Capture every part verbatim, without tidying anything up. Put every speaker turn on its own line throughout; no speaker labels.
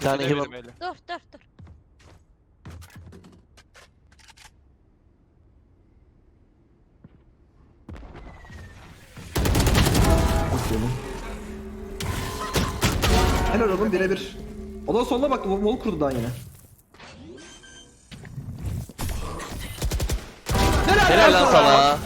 tane
Gidelim
heal.
böyle.
Dur dur dur.
Bakıyorum. Helal oğlum birebir. O da soluna baktı. Wall kurdu daha yine.
Helal lan sana.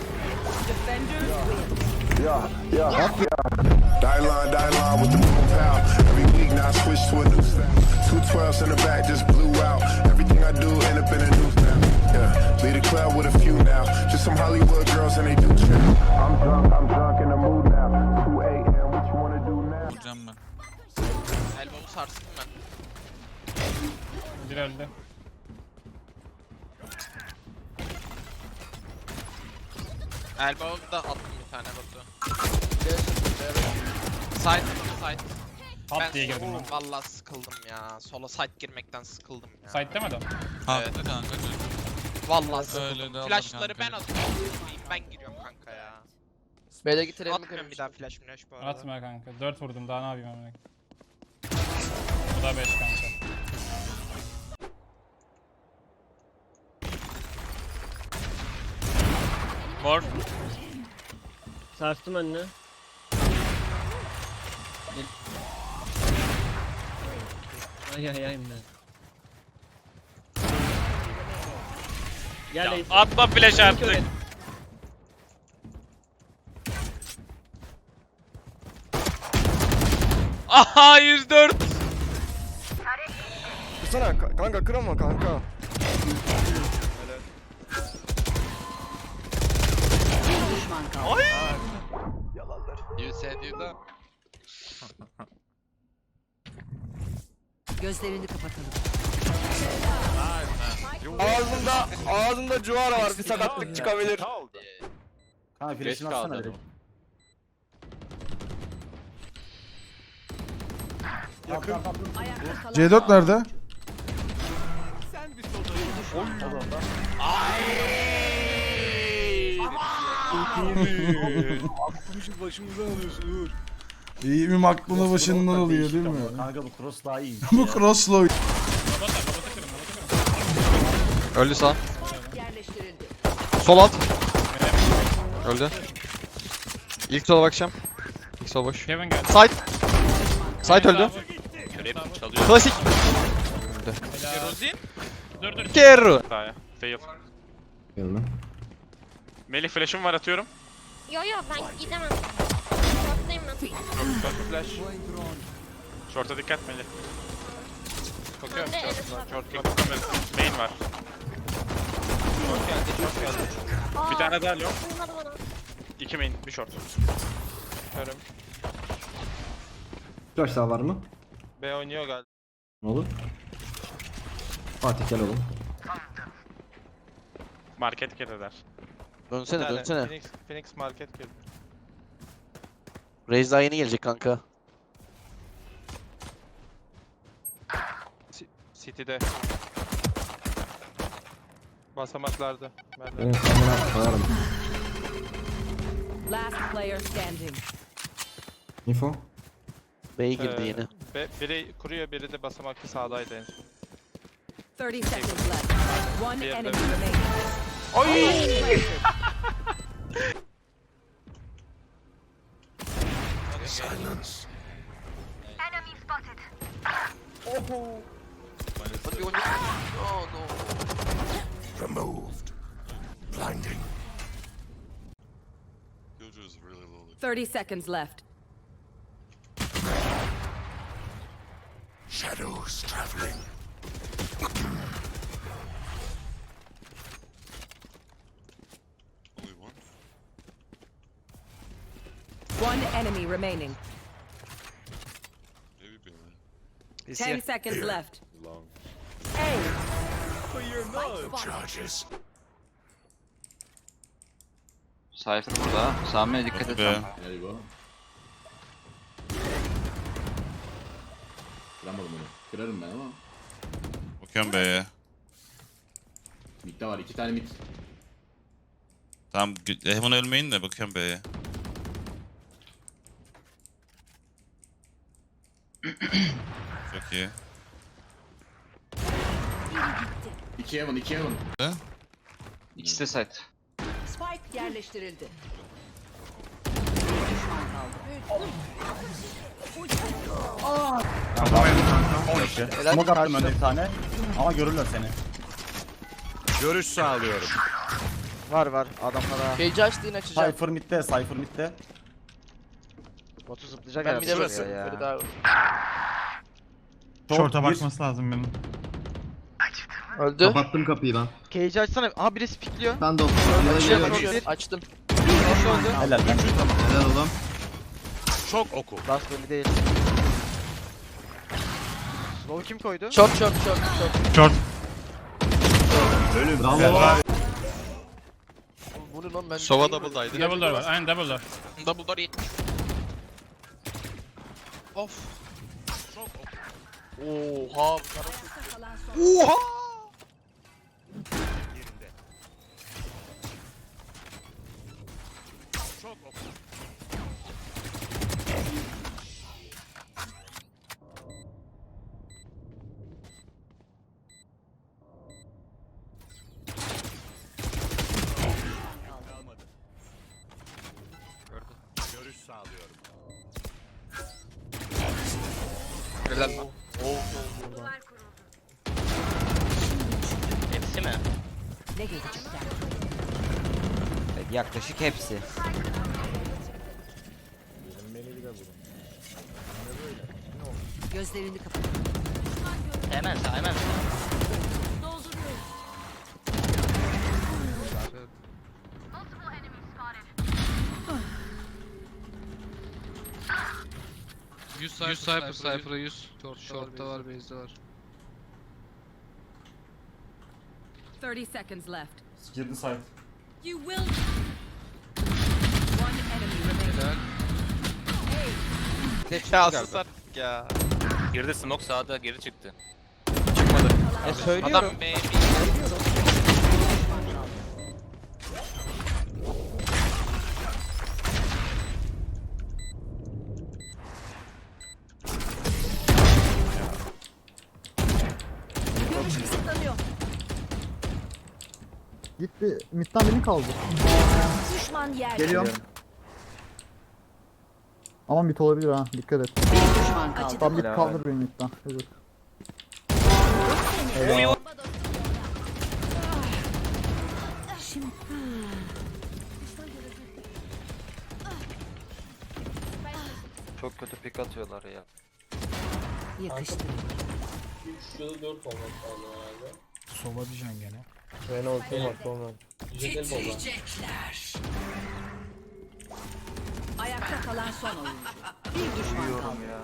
Die line, die line with the boom pound. Every week now I switch to a new style. Two twelves in the back just blew out. Everything I do end up in a news now. Yeah, lead a club with a few now. Just some Hollywood girls and they do trip. I'm drunk, I'm drunk in the mood now. two A M, what you wanna do now?
Vuracağım ben.
Elbow'u sarstım ben.
Bir öldü.
Elbow'u da attım bir tane Batu. Side, side.
Pat diye girdim ben.
Vallahi sıkıldım ya. Sola side girmekten sıkıldım ya.
Site demedi o.
Haklı kanka.
Vallahi
Öyle
sıkıldım.
de alır
Flashları
kanka.
ben atıyorum. Ben giriyorum kanka ya.
B'de getirelim mi?
Atmıyorum bir daha flash flash bu arada.
Atma kanka. dört vurdum daha ne yapayım amına. Bu da beş kanka.
Mor.
Sarstım önüne. Ay ay ay ben. Gel
Ya,
Ace.
atma flash artık. Aha yüz dört.
Kırsana kanka, kırama kanka.
You said you da.
Gözlerini kapatalım.
Ağzında, ağzında cuvara var, bir sakatlık çıkabilir.
Ha flash'ını atsana direkt.
Yakın.
C dört nerede?
Aklımızı başımızdan alıyorsun Uğur.
İyi mi aklını başından alıyor değil mi?
Kanka bu cross daha iyi.
Bu cross'la oy-
Öldü sağ.
Yerleştirildi.
Sol alt. Öldü. İlk sola bakacağım. İlk sol boş.
Kevin geldi.
Side. Side öldü.
Göreyim çalıyor.
Klasik.
Rozin.
Dur dur.
Kerro.
Fail.
Geldim.
Melih flash'ım var atıyorum.
Yo yo ben gidemem. Short'tayım ben.
Short flash. Short'a dikkat Melih. Bakıyorum
Ben de
short var.
evet,
Short bakıyorum. Main var.
Short geldi, short geldi.
Aa,
Bir tane daha yok.
Duymadı bana.
İki main, bir short. Körüm.
Flash daha var mı?
B oynuyor galiba.
Ne olur? Fatih gel oğlum.
Market girdiler.
Dönsene dönsene.
Phoenix, Phoenix market girdi.
Raze daha yeni gelecek kanka.
City'de. Basamaklarda. Ben de.
Benim kamera koyarım.
Last player standing.
Info.
B'ye girdi
Ee,
yeni.
Be, biri kuruyor, biri de basamaklı sağdaydı en son.
thirty seconds left. One
Bir
enemy
yerde.
remaining.
Silence.
Hadi oyna. Oh no.
Removed. Blinding.
thirty seconds left.
Shadows traveling.
One enemy remaining.
He's
Ten
here.
seconds left.
Charges.
Cypher burada. Sami'ye dikkat et.
Be.
Kıramadım onu. Kırarım ben ama.
Bakıyorum B'ye.
Mid'de var, iki tane mid.
Tamam, hemen ölmeyin de bakıyorum B'ye. Çok iyi.
iki Evan, iki Evan.
İkisi de site.
Spike yerleştirildi.
Smoke attım önde bir tane. Ama görürler seni.
Görüş sağlıyorum.
Var var adamlara.
Cage'i açtı yine açacağım.
Cypher midde, Cypher midde.
Botu zıplayacak
Ben bir de
burası
basıyorum. Biri daha.
Short'a
bir.
bakması lazım benim.
Öldü.
Kapattım kapıyı ben.
Cage'i açsana. Aha birisi pikliyor.
Ben de oldum.
Açtım.
Helal lan.
Helal oğlum.
Çok oku.
Last belli değil. Slow kim koydu?
Short short short short.
Short.
Bravo.
Bu ne lan ben?
Sova double'daydı.
Double door var. Aynen double door.
Double door yetmiş. Of. Oha. bu taraf-
Oha! Görüş sağlıyorum.
Helal lan. Hepsi mi?
Yaklaşık hepsi.
Gözlerini kapat.
Hemen sağ hemen.
yüz Cypher, Cypher'a yüz. Short'ta var, base'de var.
thirty seconds left.
Girdi site.
You will. One enemy remaining.
Ya sus artık ya.
Girdi smoke sağda geri çıktı.
E söylüyorum.
Adam B
Gitti. Mid'den beni kaldı.
Düşman yer.
Geliyorum. Ama mid olabilir ha. Dikkat et.
Bir düşman kaldı.
Tam mid kaldır beni mid'den. Evet.
Çok kötü pik atıyorlar ya.
Yakıştı.
Sova diyeceksin gene.
Titriyecekler. Ayakta kalan son oyuncu. Bir düşman kaldı.
ya.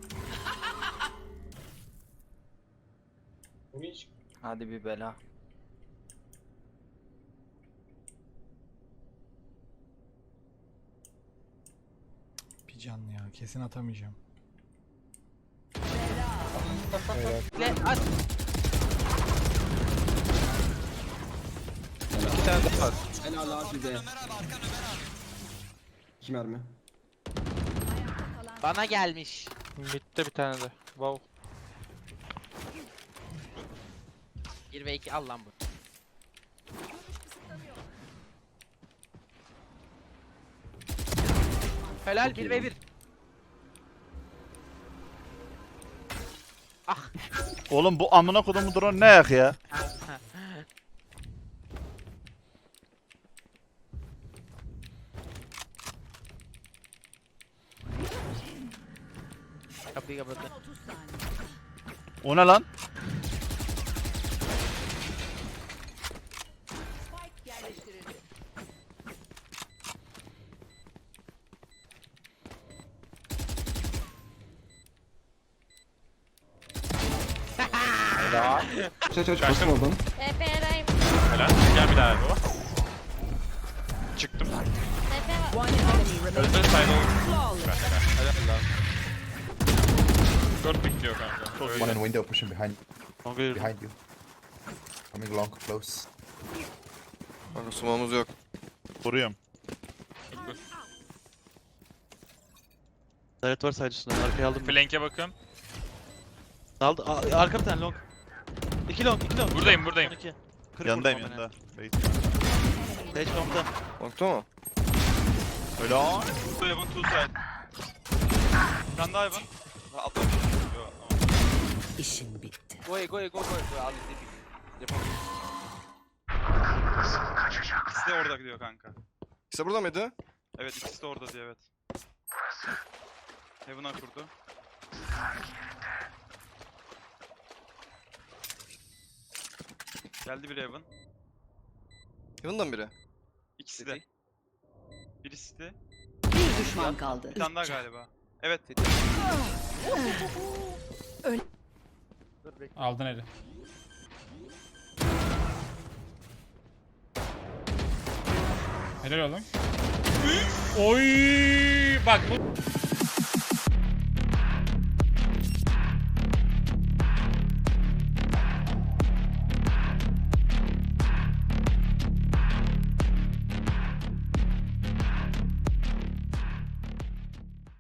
Hadi bir bela.
Bir can ya. Kesin atamayacağım.
ile at.
İki tane daha var.
Helal abi de. İki mermi.
Bana gelmiş.
Mid'de bir tane de. Wow.
bir ve iki al lan bu. Helal bir ve bir.
Oğlum bu amına kodumu drone ne ayak ya?
Kapıyı kapattı.
O ne lan?
Yerleştirildi.
Çaç aç basın oradan.
T P R'dayım.
Helal. Gel bir daha bu. Çıktım.
T P var.
Öldü sayda oldu. Helal lan. Dört bekliyor kanka. Çok iyi.
window pushing behind
Kanka yürü.
behind you. Coming long, close.
Kanka sumamız yok.
Vuruyorum.
Daret var sadece üstüne. Arkaya aldım.
Flank'e bakın.
Aldı. Arka bir tane long.
iki long, iki long. Buradayım, buradayım.
Yanındayım yanında.
Sage long'da.
Nokta mı?
Öyle o.
Two Evan, two side. Bir tane daha Evan. Ha, atla. Yo,
İşin bitti. Go go go go. Al izledik. Yapalım.
İkisi de orada gidiyor kanka.
İşte burada mıydı?
Evet, ikisi de orada diye evet. Heaven'a kurdu. Geldi bir Heaven.
Yanından biri.
İkisi de. Birisi de.
Bir düşman kaldı.
Bir tane daha galiba. Evet.
Aldın eli. Helal oğlum. Oy! Bak bu